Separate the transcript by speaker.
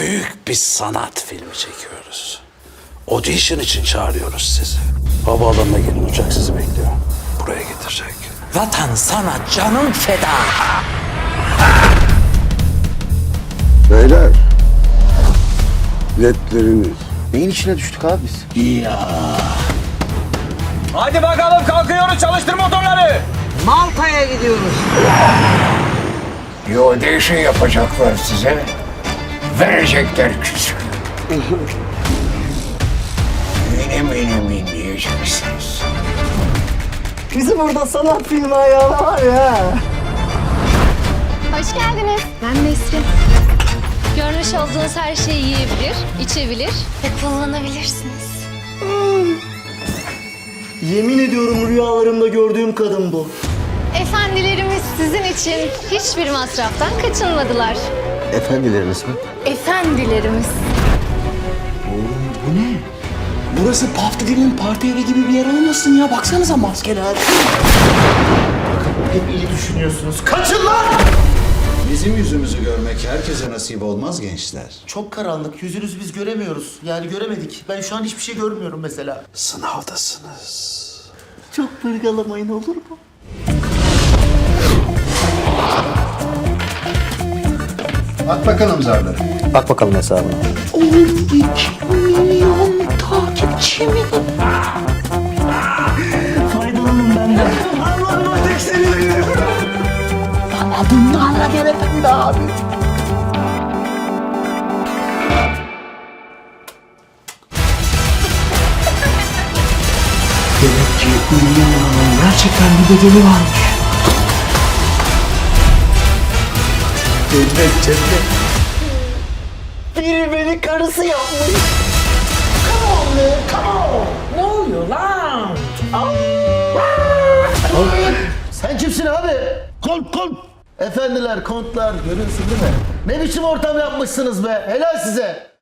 Speaker 1: büyük bir sanat filmi çekiyoruz. Audition için çağırıyoruz sizi. Havaalanına gelin, uçak sizi bekliyor. Buraya getirecek.
Speaker 2: Vatan sana canım feda.
Speaker 3: Beyler, biletleriniz. Neyin içine düştük abi biz?
Speaker 4: Hadi bakalım kalkıyoruz, çalıştır motorları.
Speaker 2: Malta'ya gidiyoruz.
Speaker 5: Audition yapacaklar size. Verecekler küsür. Benim diyeceksiniz.
Speaker 6: Bizim burada sanat filmi ayağı var ya.
Speaker 7: Hoş geldiniz. Ben Nesrin. Görmüş olduğunuz her şeyi yiyebilir, içebilir ve kullanabilirsiniz.
Speaker 6: Yemin ediyorum rüyalarımda gördüğüm kadın bu.
Speaker 7: Efendilerimiz sizin için hiçbir masraftan kaçınmadılar.
Speaker 3: Efendileriniz mi?
Speaker 7: Efendilerimiz.
Speaker 2: Burası pub dediğinin parti evi gibi bir yer olmasın ya. Baksanıza maskeler.
Speaker 6: Hep iyi düşünüyorsunuz.
Speaker 8: Bizim yüzümüzü görmek herkese nasip olmaz gençler.
Speaker 6: Çok karanlık. Yüzünüzü biz göremiyoruz. Yani göremedik. Ben şu an hiçbir şey görmüyorum mesela.
Speaker 1: Sınavdasınız.
Speaker 6: Çok pırgalamayın olur mu?
Speaker 8: At bakalım zarları.
Speaker 3: Bak bakalım hesabına.
Speaker 6: Faydalanın benden. Allah'ım tek seni. Bunlarla gelemem be abi.
Speaker 2: Demek ki Ünlü Hanım'ın gerçekten bir bedeli varmış.
Speaker 6: Biri beni karısı yapmış.
Speaker 2: Ne oluyor lan?
Speaker 6: Sen kimsin abi? Kont. Efendiler, kontlar görüyorsun değil mi? Ne biçim ortam yapmışsınız be? Helal size.